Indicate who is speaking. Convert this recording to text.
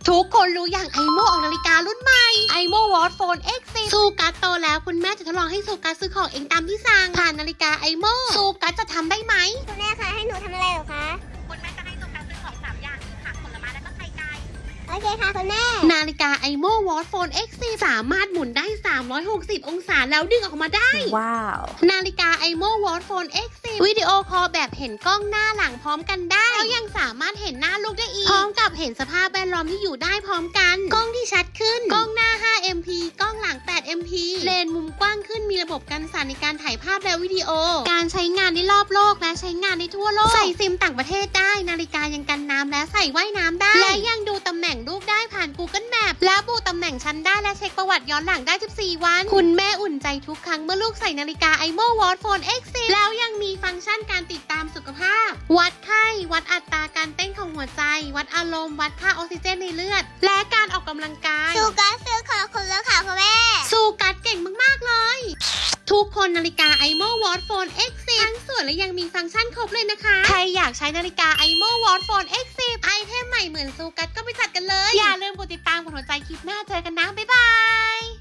Speaker 1: ทุกคนรู้อย่างไอโมออกนาฬิการุ่นใหม่ไอโมวอตโฟน X10 ซูกัสโตแล้วคุณแม่จะทดลองให้ซูกัสซื้อของเองตามที่สั่งผ่านนาฬิกาไอโมซูกัสจะทำได้ไหม
Speaker 2: คุณแม่คะให้หนูทำอะไรเหรอคะ
Speaker 1: คุณแม่จะให้ซูกัสซื้อของ3อย่างคือผักผลไม้และก็ไข่ไก่
Speaker 2: โอเคค่ะคุณแม่
Speaker 1: นาฬิกาไอโมวอตโฟน X10 สามารถหมุนได้360องศาแล้วดึงออกมาได้
Speaker 3: ว้าว
Speaker 1: นาฬิกาไอโมวอตโฟน X10 วิดีโอคอลแบบเห็นกล้องหน้าหลังพร้อมกันได้แล้วยังสามารถเห็นหน้าลูกได้อีกพร้อมกับเห็นสภาพแวดล้อมที่อยู่ได้พร้อมกันกล้องที่ชัดขึ้นกล้องหน้า 5MP กล้องหลัง 8MP เลนส์มุมกว้างขึ้นมีระบบกันสั่นในการถ่ายภาพและวิดีโอการใช้งานได้รอบโลกและใช้งานได้ทั่วโลกใส่ซิมต่างประเทศได้นาฬิกายังกันน้ำและใส่ว่ายน้ำได้และยังดูตำแหน่งลูกได้ผ่าน Google Map และบูตำแหน่งชั้นได้และเช็คประวัติย้อนหลังได้14วันคุณแม่อุ่นใจทุกครั้งเมื่อลูกใส่นาฬิกา iMo Watch Phone X10 แล้วยังมีฟังก์ชันการติดตามสุขภาพวัดไข้วัดอัตราการเต้นของหัวใจวัดอารมณ์วัดค่าออกซิเจนในเลือดและการออกกำลังกาย
Speaker 2: ซูกัสซื้อของคุณแล้วค่ะคุณแม่
Speaker 1: ซูกัสเก่งมากๆเลยทุกคนนาฬิกา iMo Watch Phone X10 ทั้งสวยและยังมีฟังก์ชันครบเลยนะคะใครอยากใช้นาฬิกา iMo Watch Phone X10 ไอเทมใหม่เหมือนซูกัสก็ไปจัดกันเลยอย่าลืมกดติดตามกดหัวใจคลิปหน้าเจอกันนะบ๊ายบาย